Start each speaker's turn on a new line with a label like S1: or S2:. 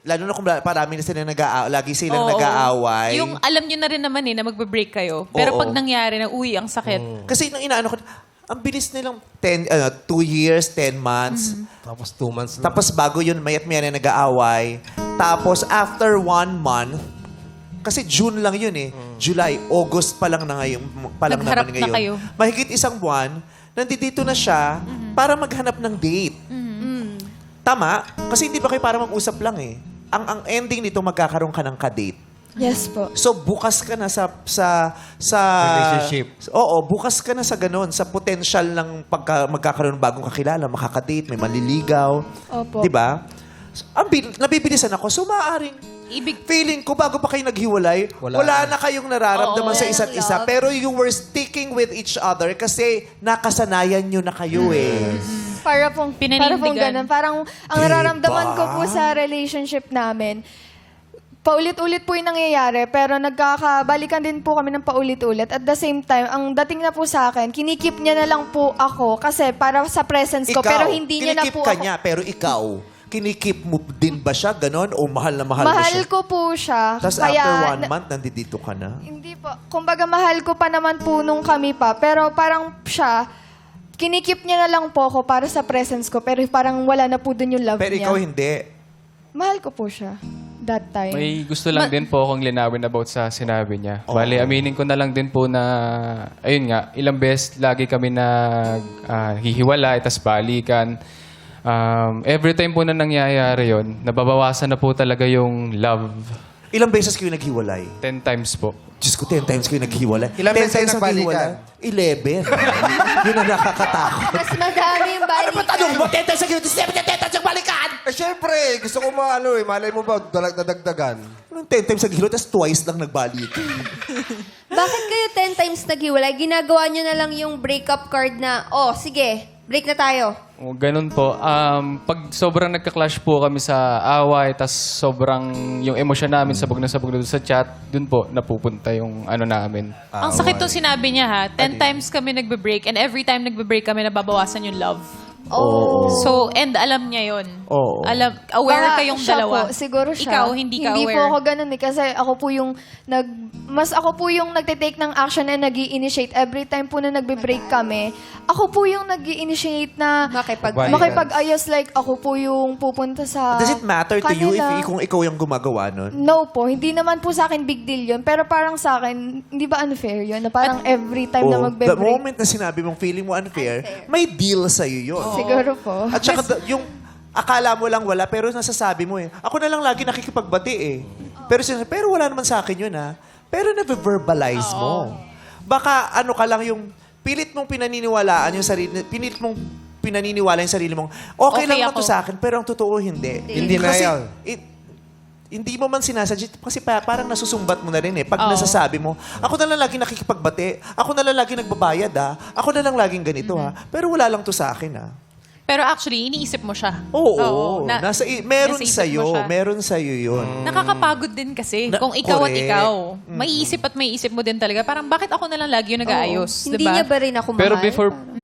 S1: lalo na kung parami na sila lagi silang nag-aaway.
S2: Yung alam nyo na rin naman na magbe-break kayo. Pero pag nangyari na, uy, ang sakit.
S1: Kasi nung inaano ko, ang bilis nilang 2 years, 10 months.
S3: Tapos 2 months na.
S1: Tapos bago yun, mayat maya na nag-aaway. Tapos after 1 month, kasi June lang yun eh. July, August pa lang na ngayon.
S2: Nagharap na kayo.
S1: Mahigit 1 buwan, nandito na siya para maghanap ng date. Tama? Kasi hindi ba kayo para mag-usap lang eh. Ang ending nito, magkakaroon ka ng ka-date.
S4: Yes po.
S1: So bukas ka na sa
S3: Relationship.
S1: Oo, bukas ka na sa ganun, sa potential ng magkakaroon ng bagong kakilala, makakadate, may maliligaw.
S4: Opo.
S1: 'Di ba? Nabibilisan ako. So maaaring feeling ko bago pa kayo naghiwalay, wala na kayong nararamdaman sa isa't isa, pero you were sticking with each other kasi nakasanayan nyo na kayo eh.
S4: Para pong
S2: Pinanindigan.
S4: ganun. Parang ang nararamdaman ko po sa relationship namin, paulit-ulit po yung nangyayari, pero nagkakabalikan din po kami ng paulit-ulit. At the same time, ang dating na po sa akin, kinikip niya na lang po ako kasi para sa presence ko, pero hindi niya na
S1: kinikip
S4: po
S1: ka
S4: ako.
S1: niya, pero ikaw, kinikip mo din ba siya ganon o mahal na mahal mo
S4: Mahal
S1: siya?
S4: ko po siya.
S1: Tapos after 1 month, nandito ka na?
S4: Hindi po. Kumbaga, mahal ko pa naman po nung kami pa. Pero parang siya, kinikip niya na lang po ako para sa presence ko. Pero parang wala na po dun yung love
S1: Pero
S4: niya.
S1: ikaw hindi.
S4: Mahal ko po siya. That time.
S5: May gusto lang din po akong linawin about sa sinabi niya. Bale, aminin ko na lang din po na, ayun nga, ilang beses lagi kami hihiwalay, tas balikan. Every time po na nangyayari yon, nababawasan na po talaga yung love.
S1: Ilang beses kayo naghiwalay?
S5: 10 times po.
S1: Diyos ko, 10 times kayo naghiwalay.
S3: Ilang
S1: 10
S3: beses kayo
S1: times
S3: nagbalikan?
S1: naghiwalay? 11. Yun ang nakakatakot.
S6: Mas madami yung balikan.
S1: Tanong mo, 10 times naghiwalay, 10 times nagbalikan!
S3: Eh, syempre, gusto ko malay mo ba, dadagdagan?
S1: Anong 10 times naghiwalay, tapos twice lang nagbalikan?
S6: Bakit kayo 10 times naghiwalay? Ginagawa nyo na lang yung breakup card na, oh, sige, break na tayo.
S5: O, ganun po. Pag sobrang nagka-clash po kami sa away, tas sobrang yung emosyon namin sabog na doon sa chat, dun po napupunta yung ano namin.
S2: Ang sakit tong sinabi niya ha. 10 times kami nagbe-break and every time nagbe-break kami, nababawasan yung love.
S6: Oh.
S2: So, and alam niya yon.
S1: Oo.
S2: Aware
S4: Baka
S2: kayong
S4: siya
S2: dalawa.
S4: Po, siguro siya.
S2: Ikaw, hindi ka
S4: Hindi
S2: aware.
S4: po ako ganun eh. Kasi ako po yung ako po yung nagte-take ng action and nag-i-initiate. Every time po na nagbe-break kami, ako po yung nag-i-initiate na makipag-ayos. Like, ako po yung pupunta sa
S1: Does it matter to you
S4: kanila.
S1: kung ikaw yung gumagawa nun?
S4: No po. Hindi naman po sa akin big deal yun. Pero parang sa akin, hindi ba unfair yun? Na parang every time na
S1: The
S4: magbe-break.
S1: moment na sinabi mong feeling mo unfair, may deal sa'yo yun.
S4: Siguro po.
S1: At saka yung akala mo lang wala, pero nasasabi mo eh. Ako na lang lagi nakikipagbati eh. Pero wala naman sa akin yun ha. Pero na-verbalize mo. Baka ano ka lang yung pilit mong pinaniniwalaan yung sarili, pilit mong pinaniniwala yung sarili mong, okay lang
S2: ako.
S1: to sa akin, pero ang totoo hindi.
S3: Hindi na
S1: Kasi,
S3: yan.
S1: hindi mo man sinasadya kasi parang nasusumbat mo na rin eh. Pag nasasabi mo, ako na lang lagi nakikipagbati, ako na lang lagi nagbabayad ako na lang laging ganito pero wala lang to sa akin
S2: Pero actually, iniisip mo siya.
S1: Oo. Meron
S2: nasa isip mo
S1: sa'yo.
S2: siya.
S1: Meron sa'yo yun.
S2: Nakakapagod din kasi. Kung ikaw at
S1: Correct.
S2: ikaw, may isip mo din talaga. Parang bakit ako na lang lagi yung nag-aayos?
S6: Hindi
S2: diba?
S6: niya ba rin ako mahal?
S5: Pero